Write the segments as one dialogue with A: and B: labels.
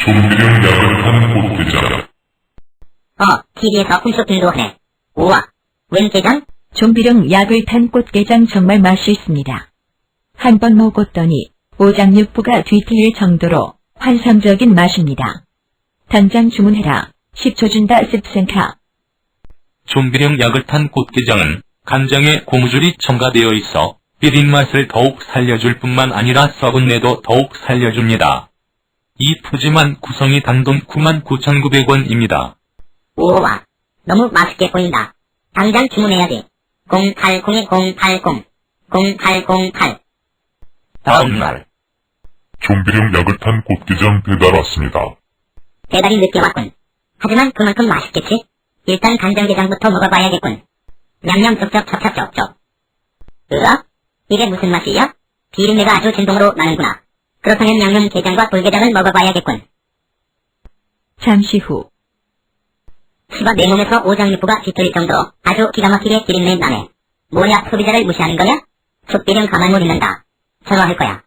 A: 좀비령 약을 탄 꽃게장.
B: TV에서 홈쇼핑도 하네. 우와, 웬 게장?
C: 좀비령 약을 탄 꽃게장 정말 맛있습니다. 한 번 먹었더니 오장육부가 뒤틀릴 정도로 환상적인 맛입니다. 당장 주문해라. 10초 준다 습생카.
D: 좀비령 약을 탄 꽃게장은 간장에 고무줄이 첨가되어 있어 비린 맛을 더욱 살려줄 뿐만 아니라 썩은 내도 더욱 살려줍니다. 이 푸짐한 구성이 단돈 99,900원입니다.
B: 우와, 너무 맛있게 보인다. 당장 주문해야지. 080-080, 0808.
D: 다음날
A: 좀비령 약을 탄 꽃게장 배달 왔습니다.
B: 배달이 늦게 왔군. 하지만 그만큼 맛있겠지? 일단 간장게장부터 먹어봐야겠군. 냠냠 쩝쩝 첩첩쩝쩝. 으악? 이게 무슨 맛이야? 비린내가 아주 진동으로 나는구나. 그렇다면 양념게장과 돌게장을 먹어봐야겠군.
C: 잠시 후
B: 시바 내 몸에서 오장육부가 뒤틀릴 정도로 아주 기가 막히게 비린내 나네. 뭐냐, 소비자를 무시하는 거냐? 촛비령 가만 못 있는다. 전화할 거야.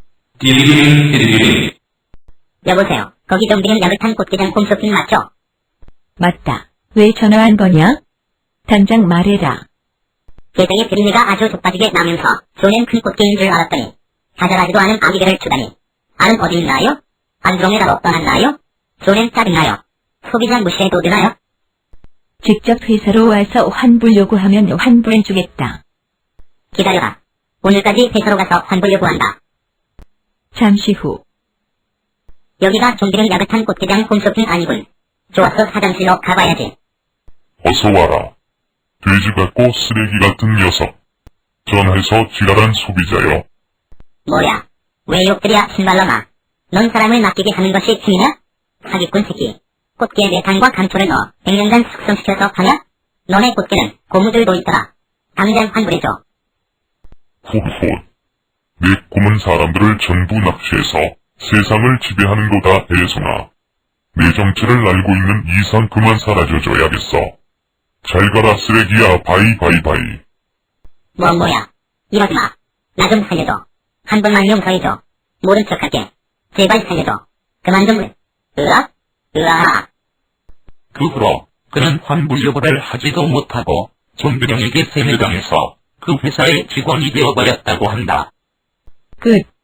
D: 띠리링.
B: 여보세요. 거기 좀비령 약을 탄 꽃게장 홈쇼핑 맞죠?
C: 맞다. 왜 전화한 거냐? 당장 말해라.
B: 게장의 비린내가 아주 족빠지게 나면서 손엔 큰 꽃게인 줄 알았더니 자잘하지도 않은 아기개를 주다니. 알은 어디 있나요? 안드로메다로 떠났나요? 손엔 짜증나요. 소비자 무시해도 되나요?
C: 직접 회사로 와서 환불 요구하면 환불해주겠다.
B: 기다려라. 오늘까지 회사로 가서 환불 요구한다.
C: 잠시 후
B: 여기가 좀비령 약을 탄 꽃게장 홈쇼핑 아니군. 좋았어, 화장실로 가봐야지.
A: 어서 와라. 돼지 같고 쓰레기 같은 녀석. 전화해서 지랄한 소비자여.
B: 뭐야? 왜 욕들이야, 신발놈아. 넌 사람을 낚이게 하는 것이 취미냐? 사기꾼 새끼. 꽃게에 메탄과 감초를 넣어 100년간 숙성시켜서 파냐? 너네 꽃게는 고무줄도 있더라. 당장 환불해줘.
A: 훌훌. 내 꿈은 사람들을 전부 납치해서 세상을 지배하는 거다, 애송아. 내 정체를 알고 있는 이상 그만 사라져줘야겠어. 잘 가라, 쓰레기야. 바이바이바이.
B: 뭐야. 이러지 마. 나 좀 살려줘. 한 번만 용서해줘. 모른 척할게. 제발 살려줘. 그만 좀. 으악? 으악.
D: 그 후로 그는 환불 요구를 하지도 못하고 좀비령에게 세뇌당해서 그 회사의 직원이 되어버렸다고 한다.
C: 끝.